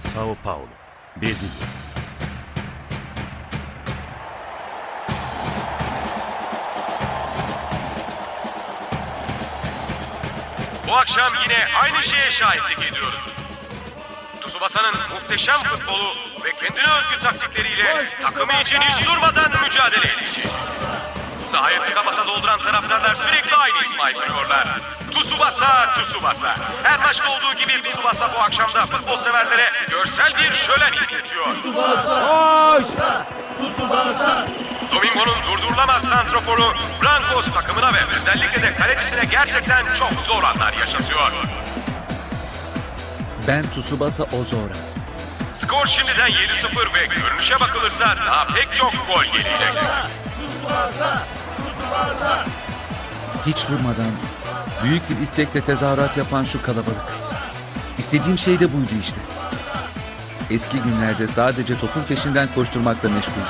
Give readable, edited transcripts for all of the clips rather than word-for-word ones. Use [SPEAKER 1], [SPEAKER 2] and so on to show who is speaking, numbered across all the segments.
[SPEAKER 1] Sao Paulo, Brezilya.
[SPEAKER 2] Bu akşam yine aynı şeye şahitlik ediyoruz. Tsubasa'nın muhteşem futbolu ve kendine özgü taktikleriyle takımı için hiç durmadan mücadele edecek. Sahayı tıka basa dolduran taraftarlar sürekli aynı ismi haykırıyorlar. Tsubasa, Tsubasa. Her maçta olduğu gibi Tsubasa bu akşam da futbol severlere görsel bir şölen izletiyor.
[SPEAKER 3] Koş! Tsubasa!
[SPEAKER 2] Domingo'nun durdurulamaz santroforu Brancos takımına ve özellikle de kalecisine gerçekten çok zor anlar yaşatıyor.
[SPEAKER 4] Ben Tsubasa Ozora.
[SPEAKER 2] Skor şimdiden 7-0 ve görünüşe bakılırsa daha pek çok gol gelecek.
[SPEAKER 3] Tsubasa! Tsubasa!
[SPEAKER 4] Hiç durmadan büyük bir istekle tezahürat yapan şu kalabalık. İstediğim şey de buydu işte. Eski günlerde sadece topun peşinden koşturmakla meşguldüm.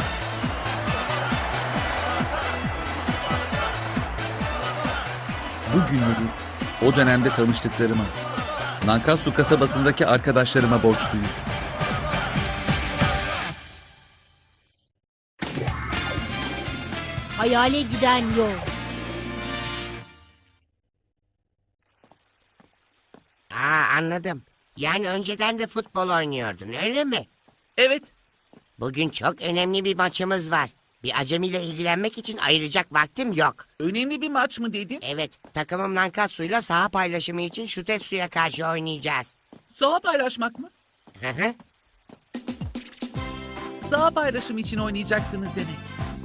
[SPEAKER 4] Bu günleri o dönemde tanıştıklarıma, Nankatsu kasabasındaki arkadaşlarıma borçluyum.
[SPEAKER 5] Hayale giden yol.
[SPEAKER 6] Anladım. Yani önceden de futbol oynuyordun, öyle mi?
[SPEAKER 7] Evet.
[SPEAKER 6] Bugün çok önemli bir maçımız var. Bir acemiyle ilgilenmek için ayıracak vaktim yok.
[SPEAKER 7] Önemli bir maç mı dedin?
[SPEAKER 6] Evet, takımım Nankatsu'yla saha paylaşımı için Şutetsu'ya karşı oynayacağız.
[SPEAKER 7] Saha paylaşmak mı?
[SPEAKER 6] Hı hı.
[SPEAKER 7] Saha paylaşımı için oynayacaksınız demek.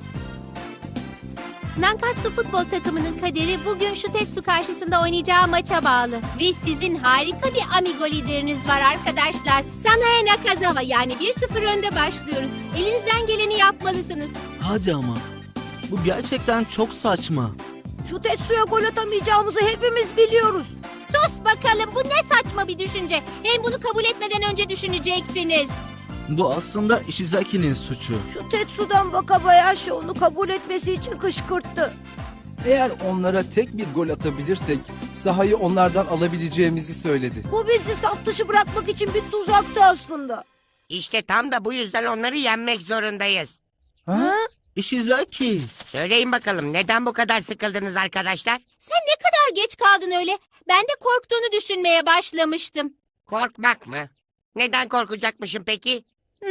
[SPEAKER 5] Nankatsu futbol takımının kaderi bugün Şutetsu karşısında oynayacağı maça bağlı. Ve sizin harika bir amigo lideriniz var arkadaşlar. Sanae Nakazawa, yani 1-0 önde başlıyoruz. Elinizden geleni yapmalısınız.
[SPEAKER 3] Hadi ama. Bu gerçekten çok saçma.
[SPEAKER 8] Şu Tetsu'ya gol atamayacağımızı hepimiz biliyoruz.
[SPEAKER 5] Sus bakalım, bu ne saçma bir düşünce. Hem bunu kabul etmeden önce düşünecektiniz.
[SPEAKER 3] Bu aslında Ishizaki'nin suçu.
[SPEAKER 8] Şu Tetsu'dan Wakabayashi onu kabul etmesi için kışkırttı.
[SPEAKER 9] Eğer onlara tek bir gol atabilirsek sahayı onlardan alabileceğimizi söyledi.
[SPEAKER 8] Bu bizi saf dışı bırakmak için bir tuzaktı aslında.
[SPEAKER 6] İşte tam da bu yüzden onları yenmek zorundayız.
[SPEAKER 3] Ha? Ishizaki.
[SPEAKER 6] Söyleyin bakalım, neden bu kadar sıkıldınız arkadaşlar?
[SPEAKER 5] Sen ne kadar geç kaldın öyle. Ben de korktuğunu düşünmeye başlamıştım.
[SPEAKER 6] Korkmak mı? Neden korkacakmışım peki?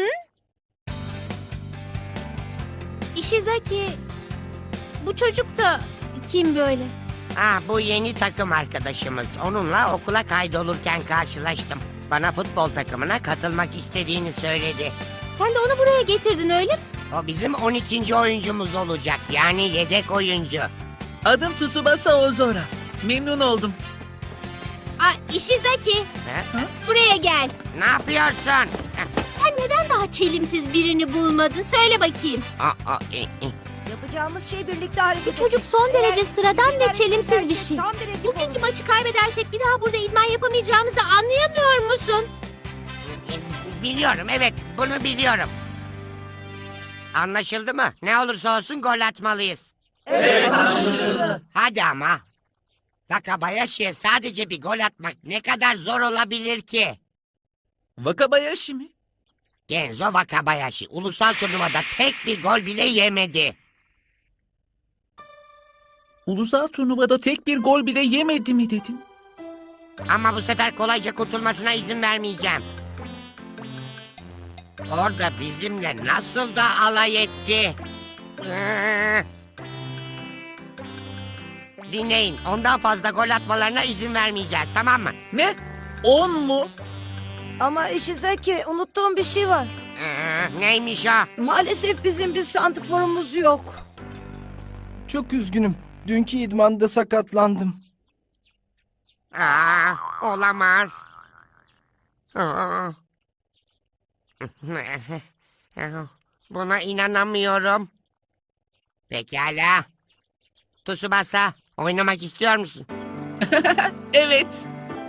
[SPEAKER 5] Ishizaki, bu çocuk da kim böyle?
[SPEAKER 6] Bu yeni takım arkadaşımız. Onunla okula kaydolurken karşılaştım. Bana futbol takımına katılmak istediğini söyledi.
[SPEAKER 5] Sen de onu buraya getirdin, öyle mi?
[SPEAKER 6] O bizim 12. oyuncumuz olacak. Yani yedek oyuncu.
[SPEAKER 7] Adım Tsubasa Ozora. Memnun oldum.
[SPEAKER 5] Ishizaki,
[SPEAKER 6] Ha?
[SPEAKER 5] buraya gel.
[SPEAKER 6] Ne yapıyorsun?
[SPEAKER 5] Sen neden daha çelimsiz birini bulmadın? Söyle bakayım.
[SPEAKER 8] Yapacağımız şey birlikte hareket
[SPEAKER 5] Bu çocuk son
[SPEAKER 8] Eğer
[SPEAKER 5] derece sıradan ve
[SPEAKER 8] birlikte
[SPEAKER 5] çelimsiz
[SPEAKER 8] hareket
[SPEAKER 5] bir şey.
[SPEAKER 8] edersek tam bir ekip
[SPEAKER 5] Bugünkü
[SPEAKER 8] oluruz.
[SPEAKER 5] maçı kaybedersek bir daha burada idman yapamayacağımızı anlayamıyor musun?
[SPEAKER 6] Biliyorum, evet, bunu biliyorum. Anlaşıldı mı? Ne olursa olsun gol atmalıyız.
[SPEAKER 8] Evet, anlaşıldı.
[SPEAKER 6] Hadi ama. Wakabayashi'ye sadece bir gol atmak ne kadar zor olabilir ki?
[SPEAKER 7] Wakabayashi mi?
[SPEAKER 6] Genzo Wakabayashi ulusal turnuvada tek bir gol bile yemedi.
[SPEAKER 7] Ulusal turnuvada tek bir gol bile yemedi mi dedin?
[SPEAKER 6] Ama bu sefer kolayca kurtulmasına izin vermeyeceğim. Orada bizimle nasıl da alay etti. Dinleyin, ondan fazla gol atmalarına izin vermeyeceğiz, tamam mı?
[SPEAKER 7] Ne? 10 mu?
[SPEAKER 8] Ama Ishizaki, unuttuğum bir şey var.
[SPEAKER 6] Neymiş o?
[SPEAKER 8] Maalesef bizim bir santrforumuz yok.
[SPEAKER 9] Çok üzgünüm. Dünkü idmanda sakatlandım.
[SPEAKER 6] Olamaz. Buna inanamıyorum. Pekala. Tsubasa, oynamak istiyor musun?
[SPEAKER 7] Evet.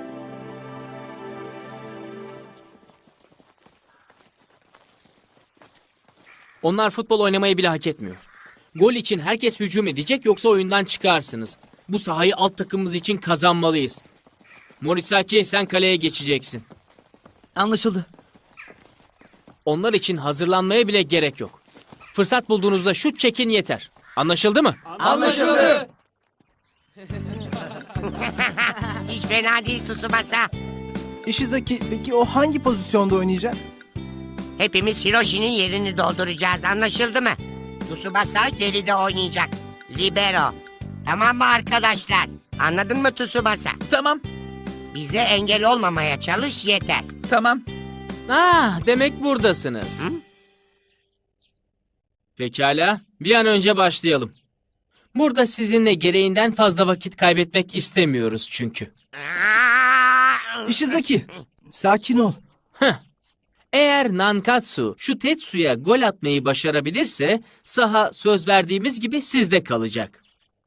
[SPEAKER 10] Onlar futbol oynamayı bile hak etmiyor. Gol için herkes hücum edecek, yoksa oyundan çıkarsınız. Bu sahayı alt takımımız için kazanmalıyız. Morisaki, sen kaleye geçeceksin.
[SPEAKER 3] Anlaşıldı.
[SPEAKER 10] Onlar için hazırlanmaya bile gerek yok. Fırsat bulduğunuzda şut çekin yeter. Anlaşıldı mı?
[SPEAKER 9] Anlaşıldı.
[SPEAKER 6] Hiç fena değil Tsubasa.
[SPEAKER 9] Ishizaki peki o hangi pozisyonda oynayacak?
[SPEAKER 6] Hepimiz Hiroshi'nin yerini dolduracağız, anlaşıldı mı? Tsubasa geride oynayacak. Libero. Tamam mı arkadaşlar? Anladın mı Tsubasa?
[SPEAKER 7] Tamam,
[SPEAKER 6] Bize engel olmamaya çalış yeter.
[SPEAKER 7] tamam.
[SPEAKER 10] Demek buradasınız. Pekala, bir an önce başlayalım. Burada sizinle gereğinden fazla vakit kaybetmek istemiyoruz çünkü.
[SPEAKER 9] Ishizaki, sakin ol.
[SPEAKER 10] Eğer Nankatsu şu Tetsu'ya gol atmayı başarabilirse saha söz verdiğimiz gibi sizde kalacak.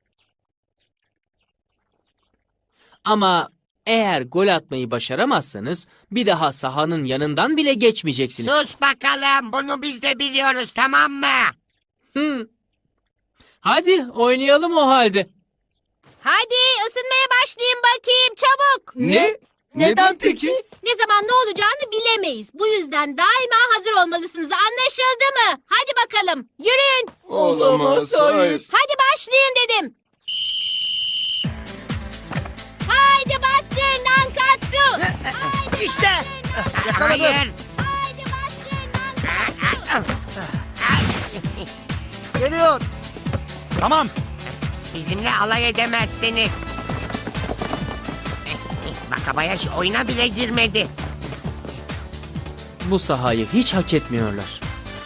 [SPEAKER 10] Ama eğer gol atmayı başaramazsanız bir daha sahanın yanından bile geçmeyeceksiniz.
[SPEAKER 6] Sus bakalım, bunu biz de biliyoruz, tamam mı?
[SPEAKER 10] Hadi oynayalım o halde.
[SPEAKER 5] Hadi ısınmaya başlayın bakayım çabuk.
[SPEAKER 9] Ne? Neden peki?
[SPEAKER 5] Ne zaman ne olacağını bilemeyiz. Bu yüzden daima hazır olmalısınız. Anlaşıldı mı? Hadi bakalım. Yürüyün.
[SPEAKER 9] Olamaz, hayır.
[SPEAKER 5] Hadi başlayın dedim. Haydi bastır Nankatsu.
[SPEAKER 8] İşte.
[SPEAKER 6] Hayır.
[SPEAKER 5] Haydi bastır Nankatsu.
[SPEAKER 3] Geliyor. Tamam.
[SPEAKER 6] Bizimle alay edemezsiniz. Wakabayashi oyuna bile girmedi.
[SPEAKER 10] Bu sahayı hiç hak etmiyorlar.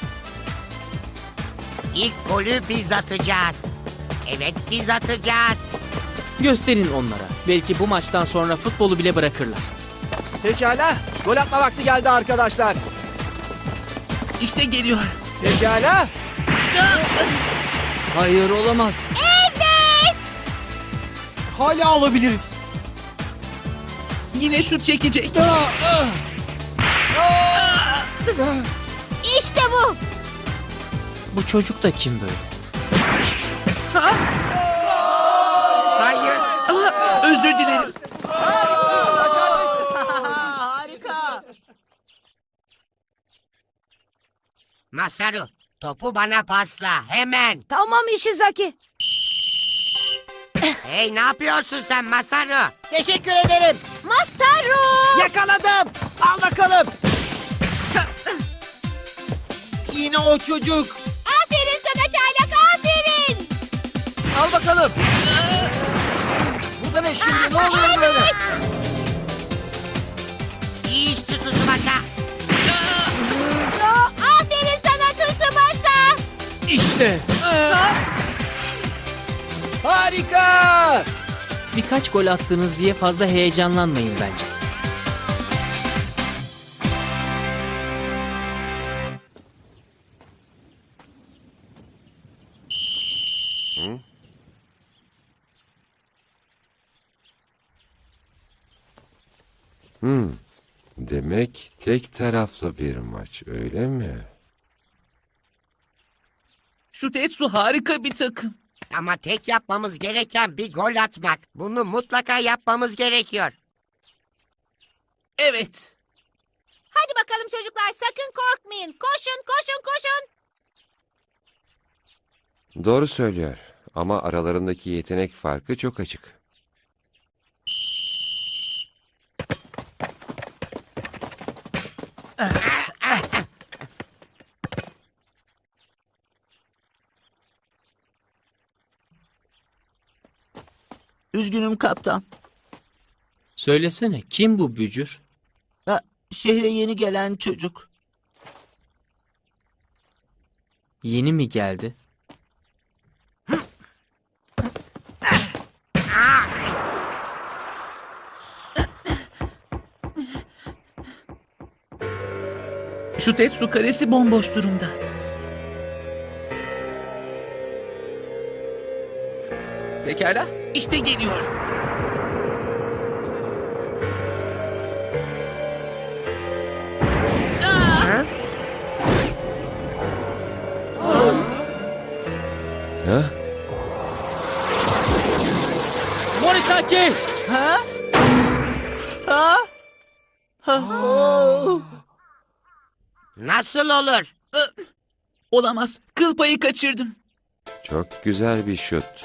[SPEAKER 6] İlk golü biz atacağız. Evet, biz atacağız.
[SPEAKER 10] Gösterin onlara. Belki bu maçtan sonra futbolu bile bırakırlar.
[SPEAKER 3] Pekala. Gol atma vakti geldi arkadaşlar.
[SPEAKER 7] İşte geliyor.
[SPEAKER 3] Pekala. Hayır olamaz.
[SPEAKER 5] Evet.
[SPEAKER 9] Hala alabiliriz.
[SPEAKER 7] Yine şut çekecek.
[SPEAKER 5] İşte bu.
[SPEAKER 10] Bu çocuk da kim böyle?
[SPEAKER 6] Sayın.
[SPEAKER 7] Özür dilerim.
[SPEAKER 3] Harika.
[SPEAKER 6] Masaru, topu bana pasla, hemen.
[SPEAKER 8] Tamam Ishizaki.
[SPEAKER 6] Hey, ne yapıyorsun sen Masaru?
[SPEAKER 3] Teşekkür ederim.
[SPEAKER 5] Masaru.
[SPEAKER 3] Yakaladım. Al bakalım. Yine o çocuk.
[SPEAKER 5] Aferin sana çaylak, aferin.
[SPEAKER 3] Al bakalım. Burada ne şimdi? Ne oluyor böyle?
[SPEAKER 6] İyi iş Tsubasa.
[SPEAKER 5] Aferin sana Tsubasa.
[SPEAKER 3] İşte. Harika.
[SPEAKER 10] Birkaç gol attınız diye fazla heyecanlanmayın bence.
[SPEAKER 1] Demek tek taraflı bir maç, öyle mi?
[SPEAKER 7] Şu Tetsu harika bir takım.
[SPEAKER 6] Ama tek yapmamız gereken bir gol atmak. Bunu mutlaka yapmamız gerekiyor.
[SPEAKER 7] Evet.
[SPEAKER 5] Hadi bakalım çocuklar, sakın korkmayın. Koşun, koşun, koşun.
[SPEAKER 1] Doğru söylüyor ama aralarındaki yetenek farkı çok açık.
[SPEAKER 3] Üzgünüm kaptan.
[SPEAKER 10] Söylesene, kim bu bücür?
[SPEAKER 3] Şehre yeni gelen çocuk.
[SPEAKER 10] Yeni mi geldi?
[SPEAKER 7] Şu Tetsu karesi bomboş durumda. Pekala, işte geliyor.
[SPEAKER 1] Ha?
[SPEAKER 10] Morisaki!
[SPEAKER 3] Ha? Ha? Ha? Oh.
[SPEAKER 6] Nasıl olur?
[SPEAKER 7] Olamaz. Kıl payı kaçırdım.
[SPEAKER 1] Çok güzel bir şuttu.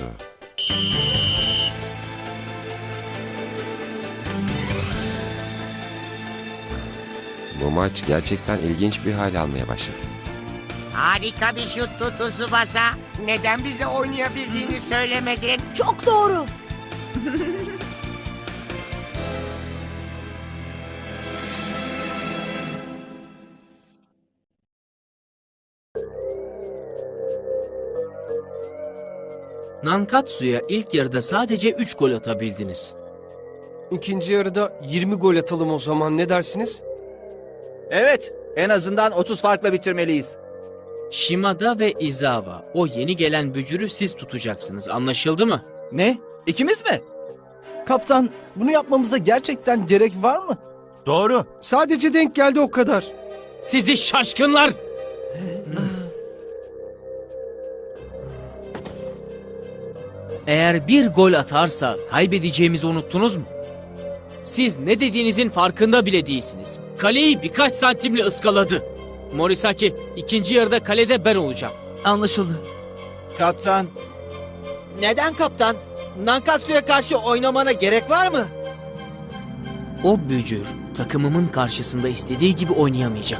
[SPEAKER 1] Bu maç gerçekten ilginç bir hal almaya başladı.
[SPEAKER 6] Harika bir şuttu Tsubasa. Neden bize oynayabildiğini söylemedin?
[SPEAKER 8] Çok doğru.
[SPEAKER 10] Nankatsu'ya ilk yarıda sadece 3 gol atabildiniz.
[SPEAKER 9] İkinci yarıda 20 gol atalım o zaman, ne dersiniz?
[SPEAKER 3] Evet, en azından 30 farkla bitirmeliyiz.
[SPEAKER 10] Shimada ve Izawa, o yeni gelen bücürü siz tutacaksınız. Anlaşıldı mı?
[SPEAKER 3] Ne? İkimiz mi?
[SPEAKER 9] Kaptan, bunu yapmamıza gerçekten gerek var mı?
[SPEAKER 3] Doğru.
[SPEAKER 9] Sadece denk geldi o kadar.
[SPEAKER 10] Sizi şaşkınlar! Eğer bir gol atarsa kaybedeceğimizi unuttunuz mu? Siz ne dediğinizin farkında bile değilsiniz. Kaleyi birkaç santimle ıskaladı. Morisaki, ikinci yarıda kalede ben olacağım.
[SPEAKER 3] Anlaşıldı. Kaptan. Neden kaptan? Nankatsu'ya karşı oynamana gerek var mı?
[SPEAKER 10] O bücür takımımın karşısında istediği gibi oynayamayacak.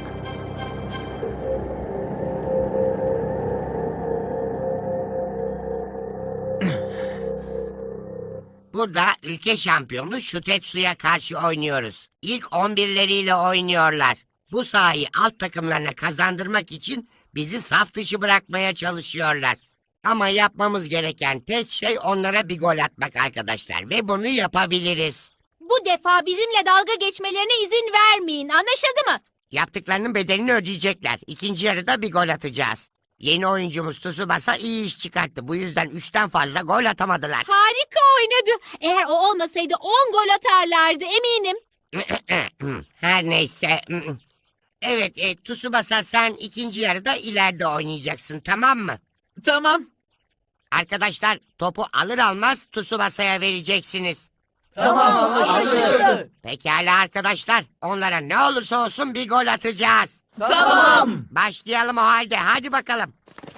[SPEAKER 6] Burada ülke şampiyonu Şutetsu'ya karşı oynuyoruz. İlk 11'leriyle oynuyorlar. Bu sahayı alt takımlarına kazandırmak için bizi saf dışı bırakmaya çalışıyorlar. Ama yapmamız gereken tek şey onlara bir gol atmak arkadaşlar. Ve bunu yapabiliriz.
[SPEAKER 5] Bu defa bizimle dalga geçmelerine izin vermeyin. Anlaşıldı mı?
[SPEAKER 6] Yaptıklarının bedelini ödeyecekler. İkinci yarıda bir gol atacağız. Yeni oyuncumuz Tsubasa iyi iş çıkarttı. Bu yüzden 3'ten fazla gol atamadılar.
[SPEAKER 5] Harika oynadı. Eğer o olmasaydı 10 gol atarlardı eminim.
[SPEAKER 6] Her neyse. Evet, Tsubasa sen ikinci yarıda ileride oynayacaksın, tamam mı?
[SPEAKER 7] Tamam.
[SPEAKER 6] Arkadaşlar topu alır almaz Tsubasa'ya vereceksiniz.
[SPEAKER 3] Tamam, anlaşıldı.
[SPEAKER 6] Pekala arkadaşlar, onlara ne olursa olsun bir gol atacağız.
[SPEAKER 3] Tamam.
[SPEAKER 6] Başlayalım o halde, hadi bakalım.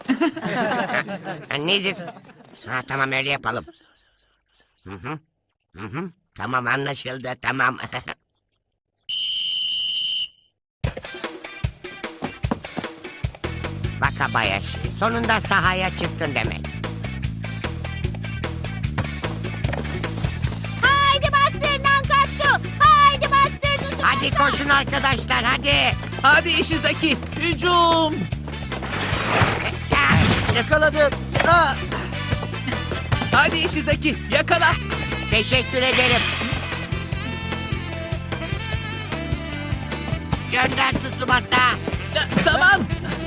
[SPEAKER 6] Nedir? Ha, tamam öyle yapalım. Hı hı. Hı hı. Tamam anlaşıldı, tamam. Wakabayashi, sonunda sahaya çıktın demek.
[SPEAKER 5] Haydi bastır Nankatsu. Haydi bastır Tsubasa.
[SPEAKER 6] Hadi koşun arkadaşlar, hadi.
[SPEAKER 7] Hadi Ishizaki. Hücum.
[SPEAKER 3] Yakaladım. Ah!
[SPEAKER 7] Hadi Ishizaki. Yakala.
[SPEAKER 6] Teşekkür ederim. Gönder Tsubasa.
[SPEAKER 7] Tamam.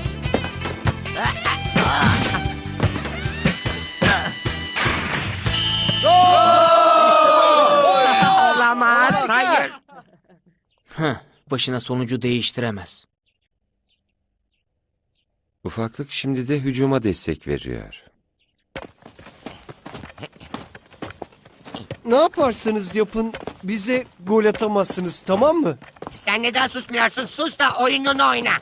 [SPEAKER 6] Olamaz, hayır.
[SPEAKER 10] Başına sonucu değiştiremez.
[SPEAKER 1] Ufaklık şimdi de hücuma destek veriyor.
[SPEAKER 9] Ne yaparsanız yapın, bize gol atamazsınız, tamam mı?
[SPEAKER 6] Sen neden susmuyorsun? Sus da oyununu oyna.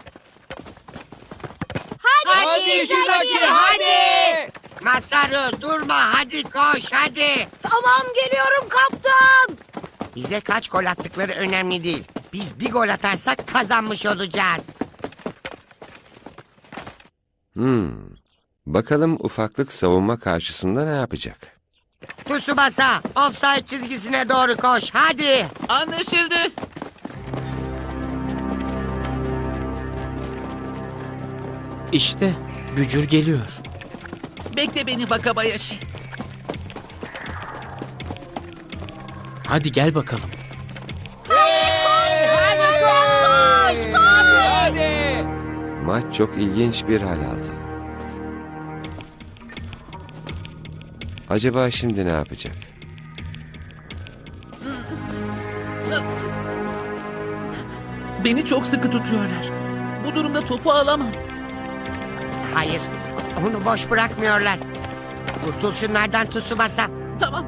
[SPEAKER 5] Hadi
[SPEAKER 9] Ishizaki, hadi!
[SPEAKER 6] Masaru durma, hadi koş, hadi.
[SPEAKER 8] Tamam, geliyorum kaptan.
[SPEAKER 6] Bize kaç gol attıkları önemli değil. Biz bir gol atarsak kazanmış olacağız.
[SPEAKER 1] Bakalım ufaklık savunma karşısında ne yapacak?
[SPEAKER 6] Tsubasa, offside çizgisine doğru koş, hadi.
[SPEAKER 7] Anlaşıldı.
[SPEAKER 10] İşte bücür geliyor.
[SPEAKER 7] Bekle beni Wakabayashi.
[SPEAKER 10] Hadi gel bakalım.
[SPEAKER 1] Maç çok ilginç bir hal aldı. Acaba şimdi ne yapacak?
[SPEAKER 7] Beni çok sıkı tutuyorlar. Bu durumda topu alamam.
[SPEAKER 6] Hayır, onu boş bırakmıyorlar. Kurtul şunlardan Tsubasa.
[SPEAKER 7] Tamam.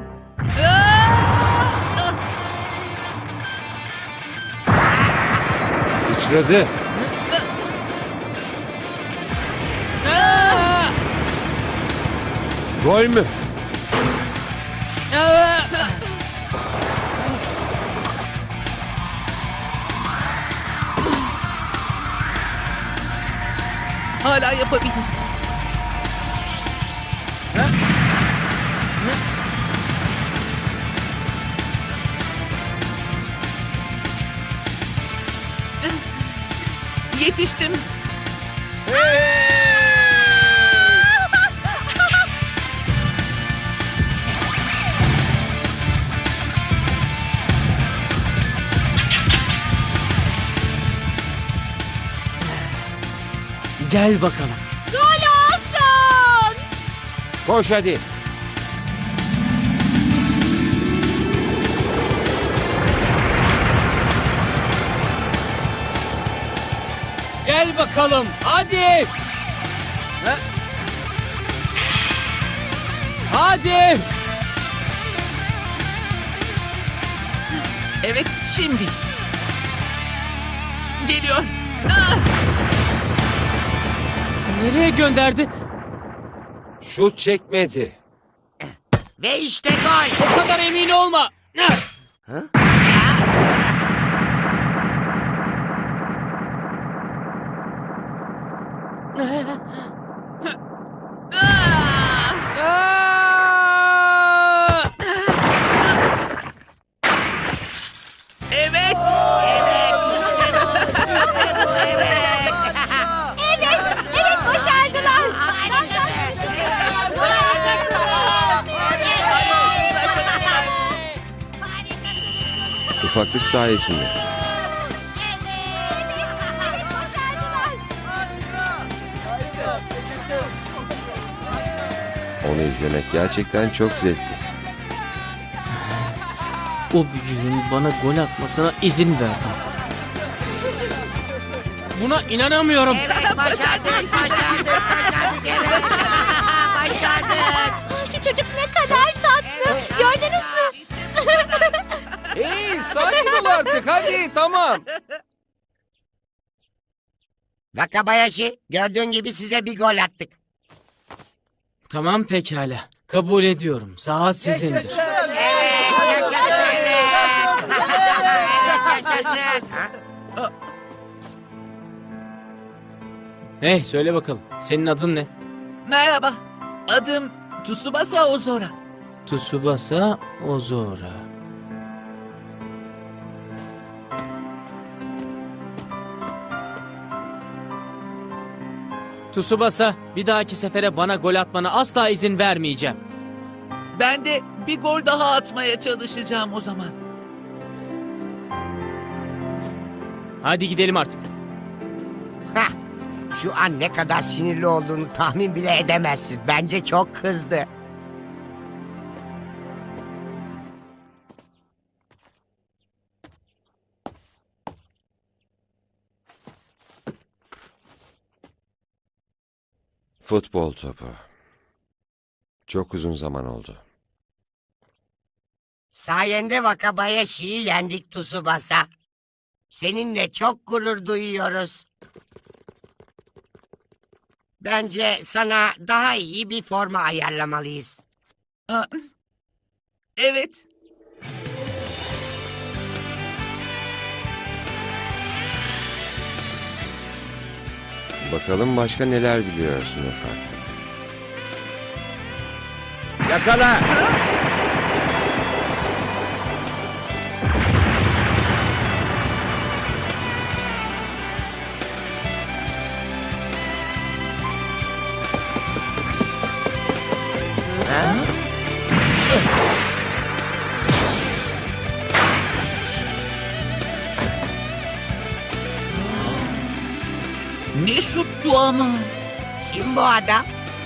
[SPEAKER 1] Sıçradı. Gol mü?
[SPEAKER 7] Hala yapabilir. Yetiştim.
[SPEAKER 10] Gel bakalım.
[SPEAKER 5] Gol olsun.
[SPEAKER 1] Koş hadi.
[SPEAKER 10] Gel bakalım. Hadi. Hadi.
[SPEAKER 7] Evet, şimdi. Geliyor.
[SPEAKER 10] Nereye gönderdi?
[SPEAKER 1] Şut çekmedi.
[SPEAKER 6] Ve işte gol.
[SPEAKER 10] O kadar emin olma. Aa!
[SPEAKER 7] Evet.
[SPEAKER 6] Evet işte bu. İşte bu evet.
[SPEAKER 5] Evet başardılar.
[SPEAKER 1] Ufaklık sayesinde. Onu izlemek gerçekten çok zevkli.
[SPEAKER 10] O bücürün bana gol atmasına izin verdim. Buna inanamıyorum.
[SPEAKER 6] Evet başardık. Evet. Başardık.
[SPEAKER 5] Şu çocuk ne kadar tatlı. Gördünüz mü?
[SPEAKER 11] Hey, sakin ol artık. Hadi, tamam.
[SPEAKER 6] Wakabayashi, gördüğün gibi size bir gol attık.
[SPEAKER 10] Tamam pekala. Kabul ediyorum. Saha sizindir.
[SPEAKER 6] Evet, yaşasın. Yaşasın.
[SPEAKER 10] Hey söyle bakalım. Senin adın ne?
[SPEAKER 7] Merhaba. Adım Tsubasa Ozora.
[SPEAKER 10] Tsubasa Ozora. Tsubasa, bir dahaki sefere bana gol atmana asla izin vermeyeceğim.
[SPEAKER 7] Ben de bir gol daha atmaya çalışacağım o zaman.
[SPEAKER 10] Hadi gidelim artık.
[SPEAKER 6] Hah, şu an ne kadar sinirli olduğunu tahmin bile edemezsin. Bence çok kızdı.
[SPEAKER 1] Futbol topu. Çok uzun zaman oldu.
[SPEAKER 6] Sayende Wakabayashi'yi yendik Tsubasa. Seninle çok gurur duyuyoruz. Bence sana daha iyi bir forma ayarlamalıyız.
[SPEAKER 7] Aa, evet.
[SPEAKER 1] Bakalım başka neler biliyorsun ufaklık. Yakala!
[SPEAKER 7] Ne şuttu ama.
[SPEAKER 6] Kim bu adam?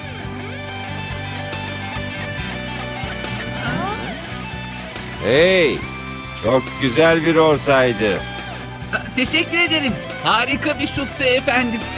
[SPEAKER 1] Hey! Çok güzel bir ortaydı.
[SPEAKER 7] Teşekkür ederim. Harika bir şuttu efendim.